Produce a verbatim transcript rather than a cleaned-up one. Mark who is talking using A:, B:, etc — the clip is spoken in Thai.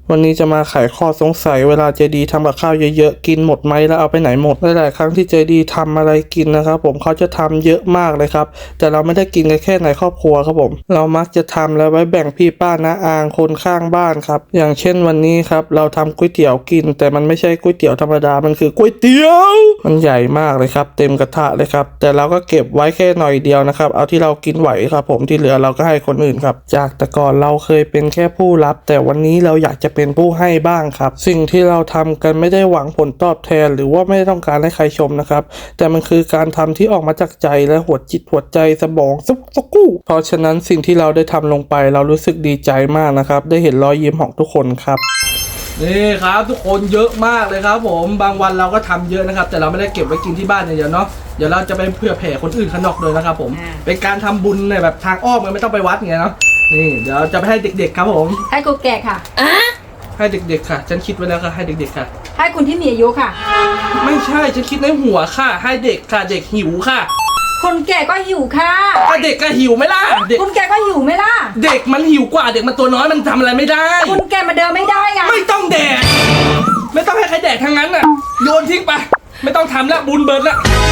A: วันนี้จะมาไขข้อสงสัยเวลาเจดีทำกับข้าวเยอะๆกินหมดไหมแล้วเอาไปไหนหมดหลายๆครั้งที่เจดีทำอะไรกินนะครับผมเขาจะทำเยอะมากเลยครับแต่เราไม่ได้กินกันแค่ในครอบครัวครับผมเรามักจะทำแล้วไว้แบ่งพี่ป้าน้าอาคนข้างบ้านครับอย่างเช่นวันนี้ครับเราทำก๋วยเตี๋ยวกินแต่มันไม่ใช่ก๋วยเตี๋ยวธรรมดามันคือก๋วยเตี๋ยวมันใหญ่มากเลยครับเต็มกระทะเลยครับแต่เราก็เก็บไว้แค่หน่อยเดียวนะครับเอาที่เรากินไหวครับผมที่เหลือเราก็ให้คนอื่นครับจากแต่ก่อนเราเคยเป็นแค่ผู้รับแต่วันนี้เราอยากจะเป็นผู้ให้บ้างครับสิ่งที่เราทำกันไม่ได้หวังผลตอบแทนหรือว่าไม่ต้องการให้ใครชมนะครับแต่มันคือการทำที่ออกมาจากใจและหัวจิตหัวใจสมองสุกสุกู้เพราะฉะนั้นสิ่งที่เราได้ทำลงไปเรารู้สึกดีใจมากนะครับได้เห็นรอยยิ้มของทุกคนครับนี่ครับทุกคนเยอะมากเลยครับผมบางวันเราก็ทำเยอะนะครับแต่เราไม่ได้เก็บไว้กินที่บ้านอย่างเดียวเนาะเดี๋ยวเราจะไปเผื่อแผ่คนอื่นข้างนอกเลยนะครับผมเป็นการทำบุญในแบบทางอ้อมไม่ต้องไปวัดไงเนาะนี่เดี๋ยวจะไปให้เด็กๆครับผม
B: ให้กูแก่ค่ะอ่ะ
A: ให้เด็กๆค่ะฉันคิดไว้แล้วค่ะให้เด็กๆค่ะ
B: ให้คุณที่มีอายุค่ะ
A: ไม่ใช่ฉันคิดในหัวค่ะให้เด็กค่ะเด็กหิวค่ะ
B: คนแก่ก็หิวค่ะ
A: ก็เด็กก็หิวไหมล่ะเด็ก
B: คนแก่ก็หิวไหมล่ะ
A: เด็กมันหิวกว่าเด็กมันตัวน้อยมันทำอะไรไม่ได้
B: คนแก่มาเดินไม่ได้อะ
A: ไม่ต้องแดกไม่ต้องให้ใครแดกทั้งนั้นน่ะโยนทิ้งไปไม่ต้องทำแล้วบุญเบิร์ดแล้ว